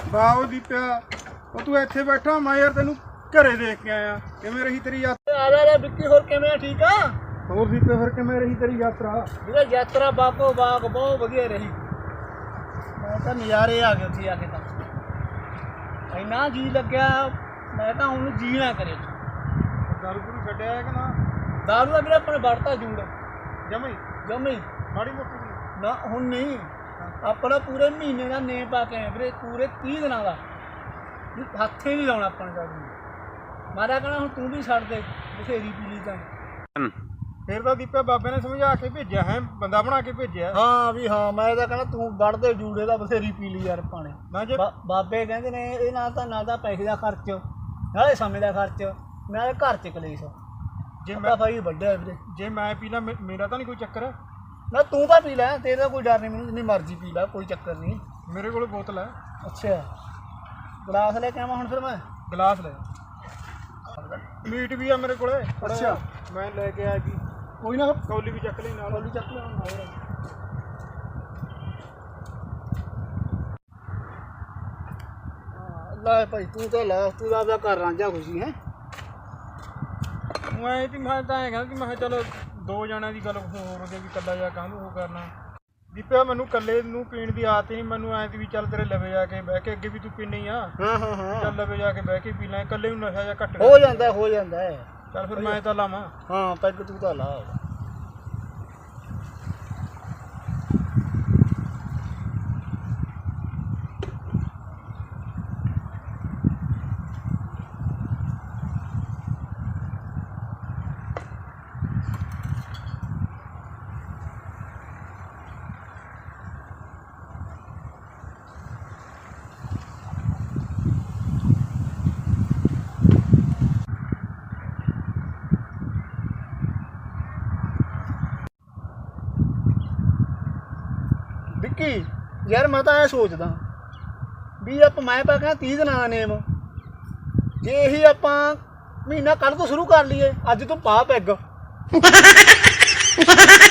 ਵਾਹ ਦੀਪਿਆ ਉਹ ਤੂੰ ਇੱਥੇ ਬੈਠਾ ਮੈਂ ਯਾਰ ਤੈਨੂੰ ਘਰੇ ਦੇਖ ਕੇ ਆਇਆ ਕਿਵੇਂ ਰਹੀ ਤੇਰੀ ਯਾਤਰਾ ਆ ਜਾ ਵਿੱਕੀ ਹੋਰ ਕਿਵੇਂ ਠੀਕ ਆ ਹੋਰ ਦੀਪਿਆ ਫਿਰ ਕਿਵੇਂ ਰਹੀ ਤੇਰੀ ਯਾਤਰਾ ਵੀਰੇ ਯਾਤਰਾ ਬਾਗੋ ਬਾਗ ਬਹੁਤ ਵਧੀਆ ਰਹੀ ਮੈਂ ਤਾਂ ਨਜ਼ਾਰੇ ਆ ਗਏ ਉੱਥੇ ਆ ਕੇ ਤਾਂ ਇੰਨਾ ਜੀ ਲੱਗਿਆ ਮੈਂ ਤਾਂ ਹੁਣ ਜੀ ਨਾ ਕਰੇ ਦਾਰੂ ਪੂਰੀ ਛੱਡਿਆ ਹੈ ਕਿ ਨਾ ਦਾਰੂ ਦਾ ਵੀਰੇ ਆਪਣੇ ਵੜਤਾ ਜੂੜ ਜਮਈ ਜਮੀ ਮਾੜੀ ਮੋਟੀ ਨਾ ਹੁਣ ਨਹੀਂ ਆਪਣਾ ਪੂਰੇ ਮਹੀਨੇ ਦਾ ਨੇਮ ਪਾ ਕੇ ਆਏ ਵੀਰੇ ਪੂਰੇ 30 ਦਿਨਾਂ ਦਾ ਹੱਥੇ ਨਹੀਂ ਲਾਉਣਾ ਆਪਾਂ ਨੇ ਦਾਰੂ ਮਾਰਾ ਕਹਿਣਾ ਹੁਣ ਤੂੰ ਵੀ ਛੱਡ ਦੇ ਬਥੇਰੀ ਪੀ ਲਈ ਤਾਂ ਫਿਰ ਤਾਂ ਦੀਪਿਆ ਬਾਬੇ ਨੇ ਸਮਝਾ ਕੇ ਭੇਜਿਆ ਹੈ ਬੰਦਾ ਬਣਾ ਕੇ ਭੇਜਿਆ ਹਾਂ ਵੀ ਹਾਂ ਮੈਂ ਤਾਂ ਕਹਿੰਦਾ ਤੂੰ ਵੜਦੇ ਜੂੜੇ ਦਾ ਬਥੇਰੀ ਪੀ ਲਈ ਯਾਰ ਪਾਣੇ ਨਾ ਜੇ ਬਾਬੇ ਕਹਿੰਦੇ ਨੇ ਇਹ ਨਾ ਤਾਂ ਪੈਸੇ ਦਾ ਖਰਚ ਨਾਲੇ ਸਮੇਂ ਦਾ ਖਰਚ ਨਾਲੇ ਘਰ ਚ ਕਲੇਸ਼ ਜੇ ਮੈਂ ਭਾਈ ਵੱਡਾ ਵੀਰੇ ਜੇ ਮੈਂ ਪੀ ਲਾ ਮੇਰਾ ਤਾਂ ਨਹੀਂ ਕੋਈ ਚੱਕਰ ਨਾ ਤੂੰ ਤਾਂ ਪੀ ਲੈ ਤੇਰਾ ਕੋਈ ਡਰ ਨਹੀਂ ਮੈਨੂੰ ਜਿੰਨੀ ਮਰਜ਼ੀ ਪੀ ਲੈ ਕੋਈ ਚੱਕਰ ਨਹੀਂ ਮੇਰੇ ਕੋਲ ਬੋਤਲ ਹੈ ਅੱਛਾ ਗਲਾਸ ਲੈ ਕੇ ਆਵਾਂ ਹੁਣ ਫਿਰ ਮੈਂ ਗਲਾਸ ਲੈ ਮੀਟ ਵੀ ਆ ਮੇਰੇ ਕੋਲੇ ਅੱਛਾ ਮੈਂ ਲੈ ਕੇ ਆਇਆ ਜੀ ਕੋਈ ਨਾ ਕੌਲੀ ਵੀ ਚੱਕ ਲਈ ਨਾਲ ਕੌਲੀ ਚੱਕ ਲੈ ਲੈ ਭਾਈ ਤੂੰ ਤਾਂ ਲਾ ਤੂੰ ਆਪਦਾ ਘਰ ਰਾਂਝਾ ਖੁਸ਼ੀ ਹੈ ਮੈਂ ਤੇ ਮੈਂ ਤਾਂ ਐਂ ਕਹਿੰਦਾ ਕਿ ਮੈਂ ਚਲੋ ਦੋ ਜਣਿਆਂ ਦੀ ਗੱਲ ਹੋਰ ਹੋ ਗਈ ਵੀ ਕੱਲਾ ਜਾ ਕਾਹਨੂੰ ਉਹ ਕਰਨਾ ਦੀਪਿਆ ਮੈਨੂੰ ਕੱਲੇ ਨੂੰ ਪੀਣ ਦੀ ਆਦਤ ਨਹੀਂ ਮੈਨੂੰ ਐਂ ਵੀ ਚੱਲ ਤੇਰੇ ਲਵੇ ਜਾ ਕੇ ਬਹਿ ਕੇ ਅੱਗੇ ਵੀ ਤੂੰ ਪੀਣੀ ਆ ਹਾਂ ਚੱਲ ਲਵੇ ਜਾ ਕੇ ਬਹਿ ਕੇ ਪੀ ਲੈ ਕੱਲੇ ਨੂੰ ਨਸ਼ਾ ਜਾਂ ਘੱਟ ਹੋ ਜਾਂਦਾ ਚੱਲ ਫਿਰ ਮੈਂ ਤਾਂ ਲਾਵਾਂ ਹਾਂ ਪੈਗ ਤੂੰ ਤਾਂ ਲਾ ਵਿੱਕੀ ਯਾਰ ਮੈਂ ਤਾਂ ਇਹ ਸੋਚਦਾ ਵੀ ਆਪਾਂ ਮੈਂ ਪਾ ਕਹਿੰਦਾ 30 ਦਿਨਾਂ ਦਾ ਨੇਮ ਜੇ ਇਹੀ ਆਪਾਂ ਮਹੀਨਾ ਕੱਲ੍ਹ ਤੋਂ ਸ਼ੁਰੂ ਕਰ ਲਈਏ ਅੱਜ ਤੋਂ ਪਾ ਪੈਗ